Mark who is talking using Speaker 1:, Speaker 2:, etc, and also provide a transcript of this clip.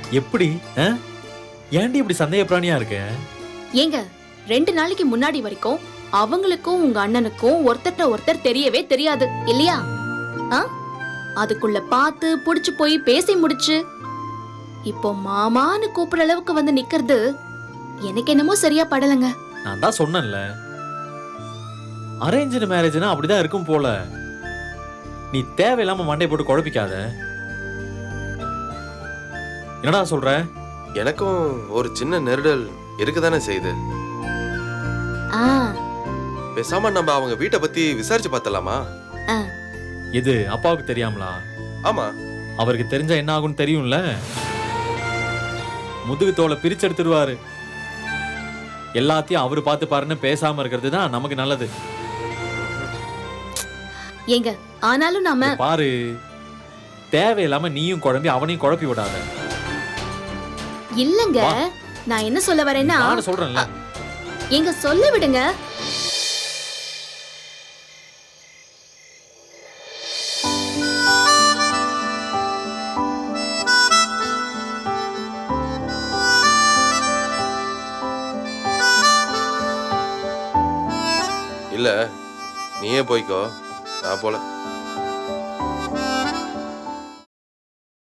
Speaker 1: எப்படி? ஏன்டி இப்படி சந்தேக பிராணியா இருக்க?
Speaker 2: ஏங்க 2 நாளைக்கு முன்னாடி வரைக்கும் அவங்களுக்கும் உங்க அண்ணனுக்கும் ஒருத்தர்ட்ட ஒருத்தர் தெரியவே தெரியாது இல்லையா? அதுக்குள்ள பார்த்து புடிச்சு போய் பேசி முடிச்சு இப்போ மாமான்னு கூப்பிடுற அளவுக்கு வந்து நிக்கிறது எனக்கு என்னமோ சரியா படலங்க.
Speaker 1: நான் தான் சொன்னேன்ல, அரேஞ்சு மேரேஜ்னா அப்படிதான் இருக்கும் போல. நீ தேவையில்லாம மண்டை போட்டு குழப்பிக்காத. என்னடா சொல்ற?
Speaker 3: எனக்கும் ஒரு சின்ன நெருடல் இருக்குதானே செய்யுது. பேசாம நம்ம அவங்க வீட்டை பத்தி விசாரிச்சு பார்த்தலாமா?
Speaker 1: இது அப்பாவுக்கு தெரியாமலா?
Speaker 3: ஆமா,
Speaker 1: அவருக்கு தெரிஞ்சா என்ன ஆகும்னு தெரியும்ல. முதுகு தோலை பிரிச்சு எடுத்துடுவாரு. எல்லாத்தையும் அவரு பார்த்து பாருன்னு பேசாம இருக்கிறது தான் நமக்கு நல்லது.
Speaker 2: ஏங்க ஆனாலும் நாம
Speaker 1: பாரு, தேவையில்லாம நீயும் குழம்பி அவனையும் குழப்பி விடாத.
Speaker 2: இல்லங்க, நான் என்ன சொல்ல வரேன்னா,
Speaker 1: நான் சொல்றேன்ல,
Speaker 2: எங்க சொல்ல விடுங்க.
Speaker 3: இல்ல நீயே போய்க்கோ, நான் போல.